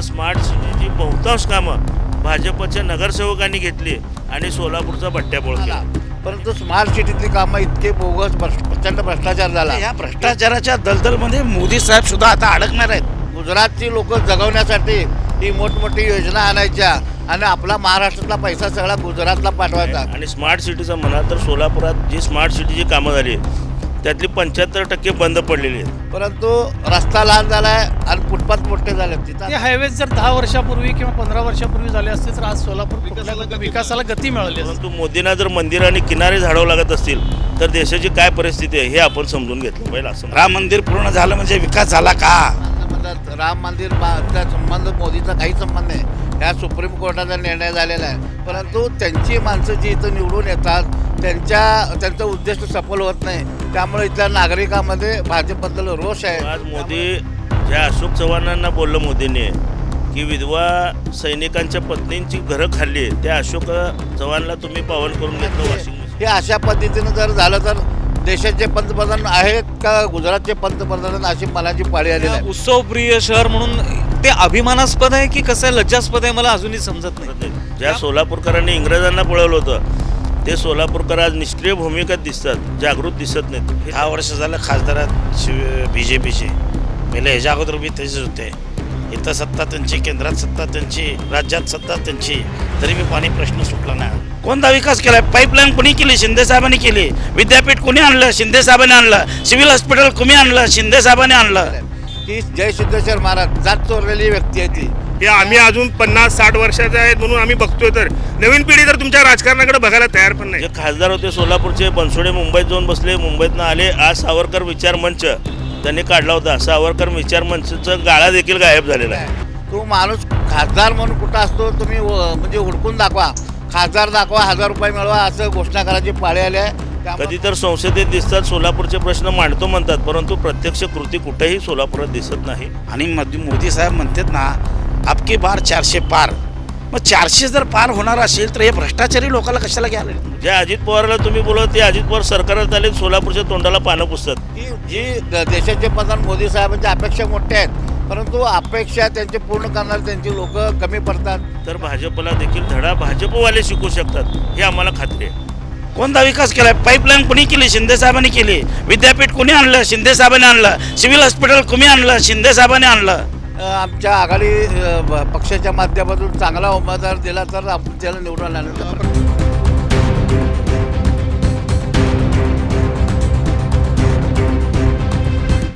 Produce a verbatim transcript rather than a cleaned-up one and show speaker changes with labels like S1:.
S1: इथं स्मार्ट सिटीची बहुतांश कामं भाजपच्या नगरसेवकांनी घेतली आणि सोलापूरचा बट्ट्याबोळ केला.
S2: परंतु स्मार्ट सिटीतली कामं इतके बोगस भ्रष्ट- प्रचंड भ्रष्टाचार झाला.
S3: या भ्रष्टाचाराच्या दलदलमध्ये मोदी साहेब सुद्धा आता अडकणार आहेत.
S2: गुजरातची लोक जगवण्यासाठी ही मोठमोठी योजना आणायच्या आणि आपला महाराष्ट्रातला पैसा सगळा गुजरातला पाठवायचा.
S1: आणि स्मार्ट सिटीचं म्हणा तर सोलापुरात जी स्मार्ट सिटीची कामं झाली त्यातली पंच्याहत्तर टक्के बंद पडलेली आहेत.
S2: परंतु रस्ता लहान झालाय आणि फुटपाथ मोठे झाले.
S4: ते
S2: तिथं
S4: हायवेज जर दहा वर्षापूर्वी किंवा पंधरा वर्षापूर्वी झाले असते तर आज सोलापूर कुठल्या विकासाला गती मिळाली असती.
S1: परंतु मोदींना जर मंदिर आणि किनारे झाडावं लागत असतील तर देशाची काय परिस्थिती आहे हे आपण समजून घेतलं पाहिजे. असं
S3: राम मंदिर पूर्ण झालं म्हणजे विकास झाला का?
S2: म्हणतात राम मंदिर चा संबंध मोदीचा काही संबंध नाही. ह्या सुप्रीम कोर्टाचा निर्णय झालेला आहे. परंतु त्यांची माणसं जी इथं निवडून येतात त्यांच्या त्यांचं उद्दिष्ट सफल होत नाही. त्यामुळे इथल्या नागरिकांमध्ये भाजपबद्दल रोष आहे.
S1: आज मोदी ज्या अशोक चव्हाणांना बोललं मोदींनी की विधवा सैनिकांच्या पत्नींची घरं खाल्ली त्या अशोक चव्हाणला तुम्ही पावन करून घेतलं वॉशिंग मशीन.
S2: हे अशा पद्धतीनं जर झालं तर देशाचे पंतप्रधान आहेत का गुजरातचे पंतप्रधान अशी मनाची पाळी आलेली आहे.
S5: उत्सवप्रिय शहर म्हणून ते अभिमानास्पद आहे की कसं आहे, लज्जास्पद आहे, मला अजूनही समजत नाही.
S1: ज्या सोलापूरकरांनी इंग्रजांना पळवलं होतं ते सोलापूरकर आज निष्क्रिय भूमिकेत दिसतात, जागृत दिसत नाहीत.
S3: दहा वर्ष झालं खासदारात शिव बी जे पीचे पहिले ह्याच्या अगोदर बी तसेच होते. इथं सत्ता त्यांची, केंद्रात सत्ता त्यांची, राज्यात सत्ता त्यांची, तरी बी पाणी प्रश्न सुटला नाही. कोणता विकास केलाय? पाईपलाईन कोणी केली? शिंदे साहेबांनी केली. विद्यापीठ कोणी आणलं? शिंदे साहेबांनी आणलं. सिव्हिल हॉस्पिटल कोणी आणलं? शिंदे साहेबांनी आणलं.
S2: ती जय सिद्धेश्वर महाराज जात चोरलेली व्यक्ती आहे ती.
S6: हे आम्ही अजून पन्नास साठ वर्षाचे आहेत म्हणून आम्ही बघतोय, तर नवीन पिढी तर तुमच्या राजकारणाकडे बघायला तयार पण नाही.
S1: जे खासदार होते सोलापूरचे बनसोडे मुंबईत जाऊन बसले, मुंबईतनं आले. आज सावरकर विचार मंच त्यांनी काढला होता. सावरकर विचार मंचचा गाळा देखील गायब झालेला आहे.
S2: तो माणूस खासदार म्हणून कुठं असतो तुम्ही व- म्हणजे हुडकून दाखवा. खासदार दाखवा, हजार रुपये मिळवा असं घोषणा करायची पाळी आली आहे. त्यामुळे
S1: कधी तर संसदेत दिसतात, सोलापूरचे प्रश्न मांडतो म्हणतात, परंतु प्रत्यक्ष कृती कुठेही सोलापुरात दिसत नाही.
S3: आणि मोदी मोदी साहेब म्हणतात ना आपके बार चारशे पार. मग चारशे जर पार होणार असेल तर हे भ्रष्टाचारी लोकांना कशाला घ्यायला?
S1: ज्या अजित पवारला तुम्ही बोलत ते अजित पवार सरकारात आले सोलापूरच्या तोंडाला पानं पुसतात.
S2: ही जी द- देशाचे प्रधान मोदी साहेबांच्या अपेक्षा मोठ्या आहेत. परंतु अपेक्षा त्यांचे पूर्ण करणारे त्यांची लोक कमी पडतात.
S1: तर भाजपला देखील धडा भाजपवाले शिकू शकतात हे आम्हाला खात्री आहे.
S3: कोणता विकास केलाय? पाईपलाईन कोणी केली? शिंदे साहेबांनी केली. विद्यापीठ कोणी आणलं? शिंदे साहेबांनी आणलं. सिव्हिल हॉस्पिटल कोणी आणलं? शिंदे साहेबांनी आणलं.
S2: अ, आमच्या आघाडी अ, ब- पक्षाच्या माध्यमातून चांगला उमेदवार दिला तर आपण त्याला निवडून आणलं.